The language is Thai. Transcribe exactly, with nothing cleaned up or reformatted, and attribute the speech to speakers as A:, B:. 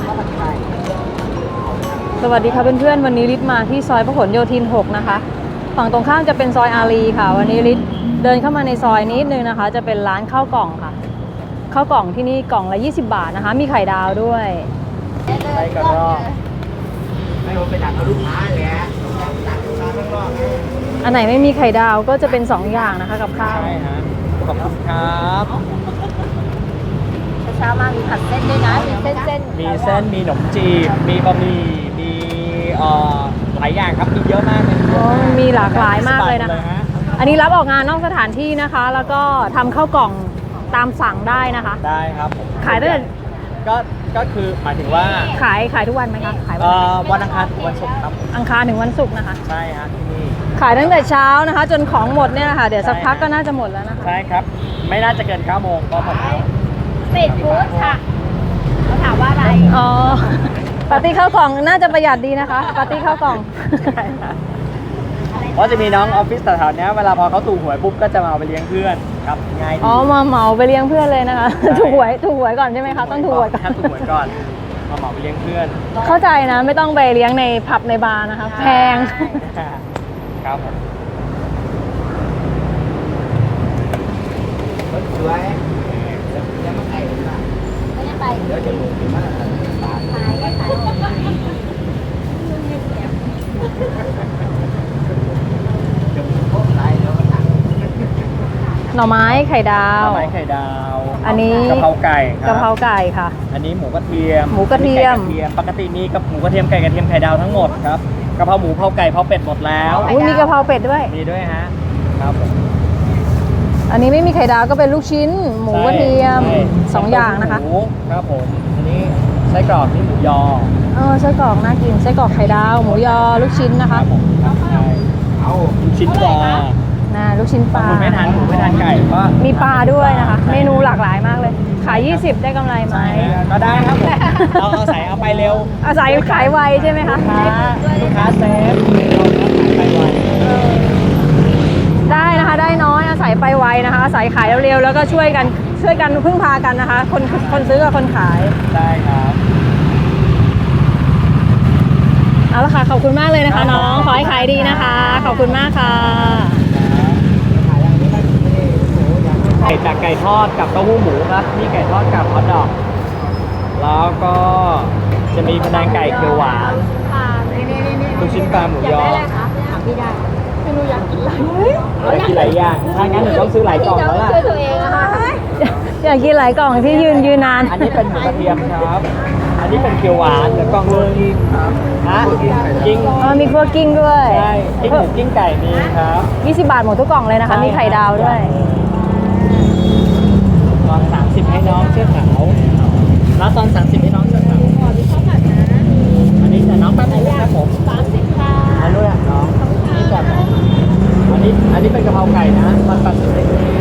A: สวัสดีค่ะเพื่อนๆวันนี้ลิศมาที่ซอยพหลโยธินหกนะคะฝั่งตรงข้ามจะเป็นซอยอารีค่ะวันนี้ลิศเดินเข้ามาในซอยนิดนึงนะคะจะเป็นร้านข้าวกล่องค่ะข้าวกล่องที่นี่กล่องละยี่สิบบาทนะคะมีไข่ดาวด้วย
B: ไปกันรอบไม่รู้ไปดักกับลูกค้าเลยฮะดักลูกค้าข้างนอก
A: อันไหนไม่มีไข่ดาวก็จะเป็นสองอย่างนะคะกับข้าว
B: ใช่ฮะขอบคุณครับ
C: เช้ามามีผัดเส้นด้วยนะมีเส้นเส้น
B: มีเส้นมีขนมจีบมีบะหมี่มีเอ่อหลายอย่างครับมีเยอะมากเลย
A: มีหลากหลายมากเลยนะคะอันนี้รับออกงานนอกสถานที่นะคะแล้วก็ทำข้าวกล่องตามสั่งได้นะคะ
B: ได้ครับ
A: ขายได้
B: ก็ก็คือหมายถึงว่า
A: ขายขายทุกวันไหมคะขาย
B: วันอังคารถึงวันศุกร์ครับ
A: อังคารถึงวันศุกร์นะคะ
B: ใช่ฮะที่นี่
A: ขายตั้งแต่เช้านะคะจนของหมดเนี่ยนะคะเดี๋ยวสักพักก็น่าจะหมดแล้วนะคะ
B: ใช่ครับไม่น่าจะเกินเก้าโมงก็หมดแล้ว
C: สตรีทฟู้ดค่ะเขาถามว่าอะไร
A: อ๋อปาร์ตี้ข้าวกล่องน่าจะประหยัดดีนะคะปาร์ตี้ข้าวกล่อง
B: เพราะจะมีน้องออฟฟิศแถวๆนี้เวลาพอเขาถูกหวยปุ๊บก็จะมาเอาไปเลี้ยงเพื่อนครับง่ายดี
A: อ๋อมาเหมาไปเลี้ยงเพื่อนเลยนะคะถูกหวยถูกหวยก่อนใช่ไหมคะต้องถูกหวยก่อน
B: ถูกหวยก่อนมาเหมาไปเลี้ยงเพื่อน
A: เข้าใจนะไม่ต้องไปเลี้ยงในผับในบาร์นะคะแพง
B: ครับผมสวยยังไม่ไป
C: ไม่ได้ไป
B: เดี๋ยวจะลงไปมาก
C: ขายได้ขาย
A: หน่อไม้ไข่ดาว
B: หน่อไม้ไข่ดาว
A: อันนี้
B: กะเพราไก่
A: กะเพราไก่ค่ะ
B: อันนี้หมูกระเทียม
A: หมูกระเทียม
B: ปกติมีกับหมูกระเทียมไก่กระเทียมไข่ดาวทั้งหมดครับกะเพราหมูเผาไก่เผาเป็ดหมดแล้ว
A: มีกะเพราเป็ดด้วย
B: มีด้วยฮะครับผม
A: อันนี้ไม่มีไข่ดาวก็เป็นลูกชิ้นหมูกระเทียมสองอย่างนะคะ
B: ครับผมอันนี้ไส้กรอกนี่หมูยอ
A: เออไส้กรอกน่ากินไส้กรอกไข่ดาวหมูยอลูกชิ้นนะคะ
B: เอาลูกชิ้นปลา
A: น่าลูกชิ้นปลา
B: ไม่ทานหมูไม่ทานไก่ก็
A: มีปลาด้วยนะคะเมนูหลากหลายมากเลยขายยี่สิบได้กำไรไหม
B: ก็ได้ครับผมเอาเอาใส่เอาไปเร็ว
A: เอาใส่ขายไวใช่ไหมคะ
B: ลูกค้าเซฟเราขายไปไว
A: ได้นะคะได้น้อยอาศัยไปไวนะคะอาศัยขายเร็วๆแล้วก็ช่วยกันช่วยกันพึ่งพากันนะคะคนคนซื้อกับคนขาย
B: ได้ครับ
A: เอาละค่ะขอบคุณมากเลยนะคะน้องขอให้ขายดีนะคะขอบคุณมากค่ะ
B: ไก่จากไก่ทอดกับเต้าหู้หมูครับนี่ไก่ทอดกับฮอทดอกแล้วก็จะมีพะแนงไก่เขียวหวานลูกชิ้นปลาหมูยอ
C: พี่ได้ไม่รู้อยากกินอะไร
B: อยากกินหลายอย่างถ้างั้นเดี๋ยวต้องซื้อหลายกล่องแล้วล่ะ
C: ช่วยตัวเองอะค่ะ
A: อยากกินหลายกล่องที่ยืนยืนนาน
B: อันนี้เป็นหมูกระเทียมครับอันนี้เป็นเกี๊ยวหวานเดี๋ยวกล่องนึงฮะกิ้ง
A: อ๋อมีพวกกิ้งด้วย
B: ใช่กิ้งหมูกิ้งไก่มีครับ
A: ยี่สิบบาทหมดทุกกล่องเลยนะคะมีไข่ดาวด้วย
B: ตอนสามสิบให้น้องเสื้อขาวแล้วตอนสามสิบให้น้องเสื้อขาวอันนี้แต่น้องแป๊บนึงครับผม
C: สามสิบค่ะ
B: อันนู้นอ่ะน้องนี่ก่อนอันนี้อันนี้เป็นกะเพราไก่นะตอนแปดสิบให้